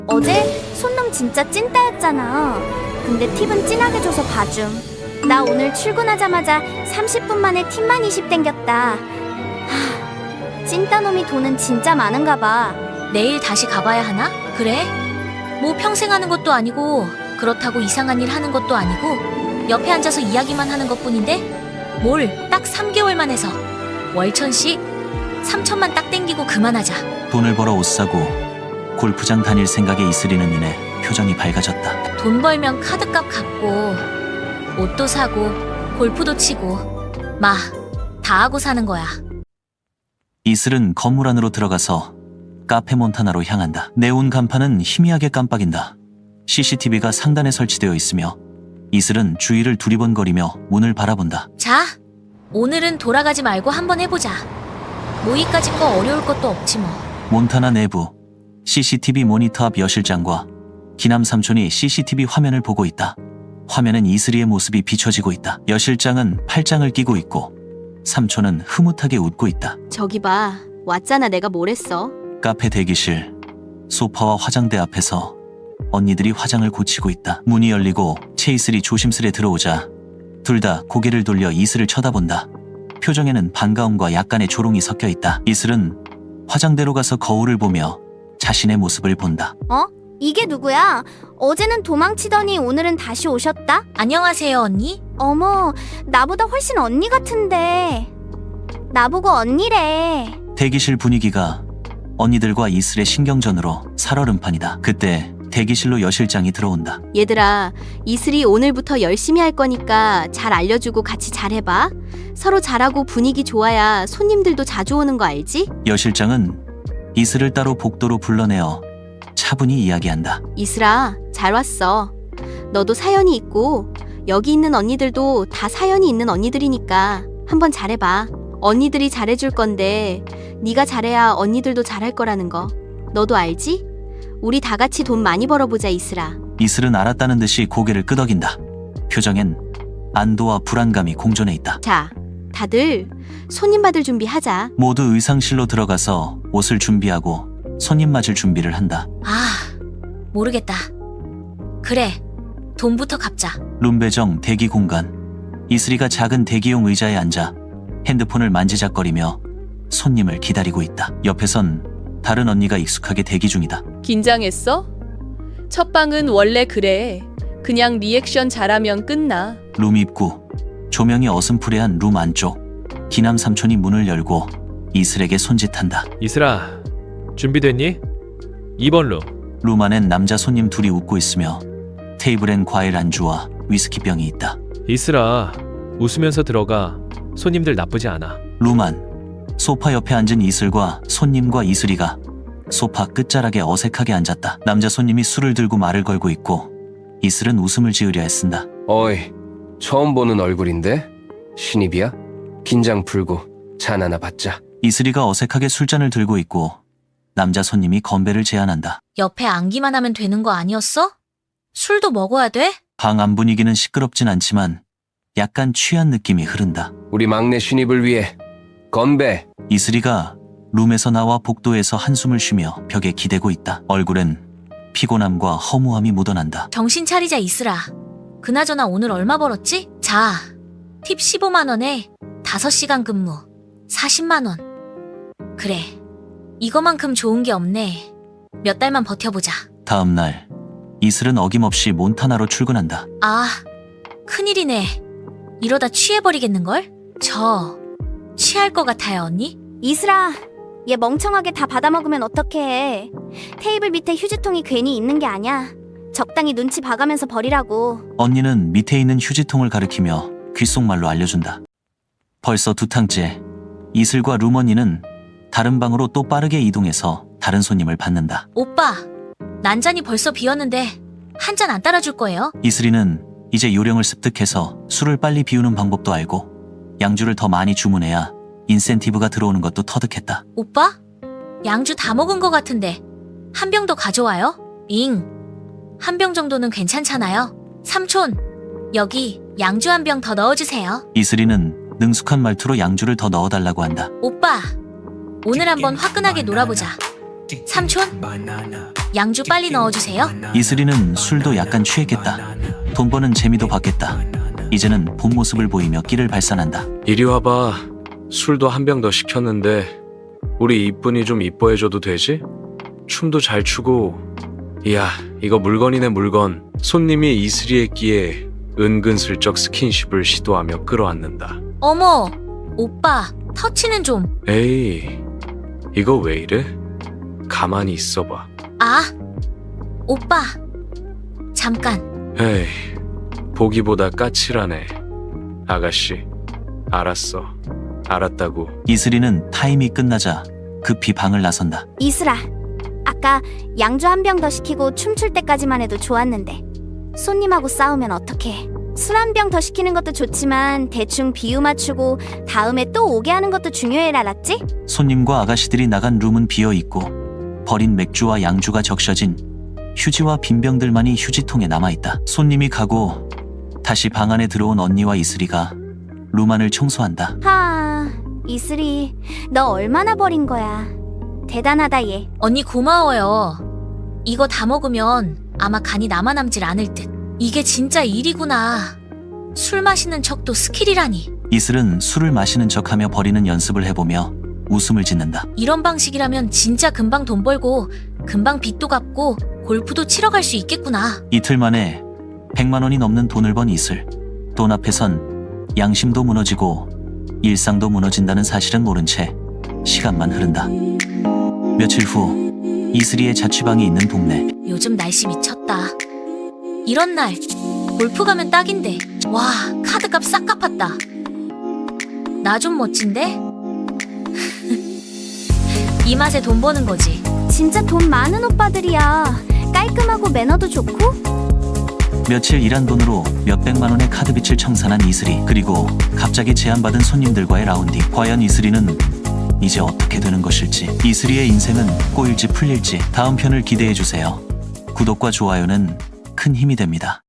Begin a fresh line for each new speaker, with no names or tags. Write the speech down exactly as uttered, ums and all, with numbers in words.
어제 손놈 진짜 찐따였잖아. 근데 팁은 진하게 줘서 봐줌. 나 오늘 출근하자마자 삼십 분 만에 팁만 이십 땡겼다. 하, 찐따놈이 돈은 진짜 많은가 봐.
내일 다시 가봐야 하나? 그래? 뭐 평생 하는 것도 아니고 그렇다고 이상한 일 하는 것도 아니고 옆에 앉아서 이야기만 하는 것뿐인데 뭘 딱 삼 개월만 해서 월천씩 삼천만 딱 땡기고 그만하자.
돈을 벌어 옷 사고 골프장 다닐 생각에 이슬이는 이내 표정이 밝아졌다.
돈 벌면 카드값 갚고 옷도 사고 골프도 치고 마 다 하고 사는 거야.
이슬은 건물 안으로 들어가서 카페 몬타나로 향한다. 네온 간판은 희미하게 깜빡인다. 씨씨티비가 상단에 설치되어 있으며 이슬은 주위를 두리번거리며 문을 바라본다.
자, 오늘은 돌아가지 말고 한번 해보자. 모의까지 거 어려울 것도 없지 뭐.
몬타나 내부 씨씨티비 모니터 앞 여실장과 기남 삼촌이 씨씨티비 화면을 보고 있다. 화면엔 이슬이의 모습이 비춰지고 있다. 여실장은 팔짱을 끼고 있고 삼촌은 흐뭇하게 웃고 있다.
저기 봐. 왔잖아. 내가 뭘 했어.
카페 대기실 소파와 화장대 앞에서 언니들이 화장을 고치고 있다. 문이 열리고 채이슬이 조심스레 들어오자 둘 다 고개를 돌려 이슬을 쳐다본다. 표정에는 반가움과 약간의 조롱이 섞여 있다. 이슬은 화장대로 가서 거울을 보며 자신의 모습을 본다.
어? 이게 누구야? 어제는 도망치더니 오늘은 다시 오셨다?
안녕하세요, 언니.
어머, 나보다 훨씬 언니 같은데. 나보고 언니래.
대기실 분위기가 언니들과 이슬의 신경전으로 살얼음판이다. 그때 대기실로 여실장이 들어온다.
얘들아, 이슬이 오늘부터 열심히 할 거니까 잘 알려주고 같이 잘해봐. 서로 잘하고 분위기 좋아야 손님들도 자주 오는 거 알지?
여실장은 이슬을 따로 복도로 불러내어 차분히 이야기한다.
이슬아, 잘 왔어. 너도 사연이 있고 여기 있는 언니들도 다 사연이 있는 언니들이니까 한번 잘해봐. 언니들이 잘해줄 건데 네가 잘해야 언니들도 잘할 거라는 거. 너도 알지? 우리 다 같이 돈 많이 벌어보자, 이슬아.
이슬은 알았다는 듯이 고개를 끄덕인다. 표정엔 안도와 불안감이 공존해 있다.
자, 다들 손님 받을 준비하자.
모두 의상실로 들어가서 옷을 준비하고 손님 맞을 준비를 한다.
아, 모르겠다. 그래, 돈부터 갚자.
룸배정 대기 공간. 이슬이가 작은 대기용 의자에 앉아 핸드폰을 만지작거리며 손님을 기다리고 있다. 옆에선 다른 언니가 익숙하게 대기 중이다.
긴장했어? 첫 방은 원래 그래. 그냥 리액션 잘하면 끝나.
룸 입구. 조명이 어슴푸레한 룸 안쪽. 기남 삼촌이 문을 열고 이슬에게 손짓한다.
이슬아, 준비됐니? 이 번 룸.
룸 안엔 남자 손님 둘이 웃고 있으며 테이블엔 과일 안주와 위스키병이 있다.
이슬아, 웃으면서 들어가. 손님들 나쁘지 않아.
룸 안. 소파 옆에 앉은 이슬과 손님과 이슬이가 소파 끝자락에 어색하게 앉았다. 남자 손님이 술을 들고 말을 걸고 있고 이슬은 웃음을 지으려 애쓴다.
어이, 처음 보는 얼굴인데? 신입이야? 긴장 풀고 잔 하나 받자.
이슬이가 어색하게 술잔을 들고 있고 남자 손님이 건배를 제안한다.
옆에 앉기만 하면 되는 거 아니었어? 술도 먹어야 돼?
방 안 분위기는 시끄럽진 않지만 약간 취한 느낌이 흐른다.
우리 막내 신입을 위해 건배!
이슬이가 룸에서 나와 복도에서 한숨을 쉬며 벽에 기대고 있다. 얼굴엔 피곤함과 허무함이 묻어난다.
정신 차리자, 이슬아. 그나저나 오늘 얼마 벌었지? 자, 팁 십오만 원에 다섯 시간 근무 사십만 원. 그래, 이거만큼 좋은 게 없네. 몇 달만 버텨보자.
다음 날 이슬은 어김없이 몬타나로 출근한다.
아, 큰일이네. 이러다 취해버리겠는걸? 저 취할 것 같아요, 언니?
이슬아, 얘 멍청하게 다 받아먹으면 어떡해. 테이블 밑에 휴지통이 괜히 있는 게 아니야. 적당히 눈치 봐가면서 버리라고.
언니는 밑에 있는 휴지통을 가리키며 귓속말로 알려준다. 벌써 두 탕째 이슬과 룸 언니는 다른 방으로 또 빠르게 이동해서 다른 손님을 받는다.
오빠, 난잔이 벌써 비었는데 한 잔 안 따라줄 거예요?
이슬이는 이제 요령을 습득해서 술을 빨리 비우는 방법도 알고 양주를 더 많이 주문해야 인센티브가 들어오는 것도 터득했다.
오빠? 양주 다 먹은 것 같은데 한 병 더 가져와요? 잉, 한 병 정도는 괜찮잖아요. 삼촌, 여기 양주 한 병 더 넣어주세요.
이슬이는 능숙한 말투로 양주를 더 넣어달라고 한다.
오빠, 오늘 한번 화끈하게 놀아보자. 삼촌? 양주 빨리 넣어주세요.
이슬이는 술도 약간 취했겠다. 돈 버는 재미도 봤겠다. 이제는 본 모습을 보이며 끼를 발산한다.
이리 와봐. 술도 한 병 더 시켰는데 우리 이쁜이 좀 이뻐해줘도 되지? 춤도 잘 추고. 이야, 이거 물건이네 물건. 손님이 이슬이의 끼에 은근슬쩍 스킨십을 시도하며 끌어안는다.
어머, 오빠, 터치는 좀.
에이, 이거 왜 이래? 가만히 있어봐.
아, 오빠. 잠깐.
에이, 보기보다 까칠하네. 아가씨, 알았어. 알았다고.
이슬이는 타임이 끝나자 급히 방을 나선다.
이슬아, 아까 양주 한 병 더 시키고 춤출 때까지만 해도 좋았는데 손님하고 싸우면 어떡해. 술 한 병 더 시키는 것도 좋지만 대충 비유 맞추고 다음에 또 오게 하는 것도 중요해, 알았지?
손님과 아가씨들이 나간 룸은 비어있고 버린 맥주와 양주가 적셔진 휴지와 빈병들만이 휴지통에 남아있다. 손님이 가고 다시 방 안에 들어온 언니와 이슬이가 룸 안을 청소한다.
하, 이슬이 너 얼마나 버린 거야. 대단하다 얘.
언니 고마워요. 이거 다 먹으면 아마 간이 남아남질 않을 듯. 이게 진짜 일이구나. 술 마시는 척도 스킬이라니.
이슬은 술을 마시는 척하며 버리는 연습을 해보며 웃음을 짓는다.
이런 방식이라면 진짜 금방 돈 벌고 금방 빚도 갚고 골프도 치러 갈 수 있겠구나.
이틀 만에 백만 원이 넘는 돈을 번 이슬. 돈 앞에선 양심도 무너지고 일상도 무너진다는 사실은 모른 채 시간만 흐른다. 며칠 후 이슬이의 자취방이 있는 동네.
요즘 날씨 미쳤다. 이런 날 골프 가면 딱인데. 와, 카드값 싹 갚았다. 나 좀 멋진데? 이 맛에 돈 버는 거지.
진짜 돈 많은 오빠들이야. 깔끔하고 매너도 좋고.
며칠 일한 돈으로 몇백만 원의 카드빚을 청산한 이슬이. 그리고 갑자기 제안받은 손님들과의 라운딩. 과연 이슬이는 이제 어떻게 되는 것일지. 이슬이의 인생은 꼬일지 풀릴지 다음 편을 기대해주세요. 구독과 좋아요는 큰 힘이 됩니다.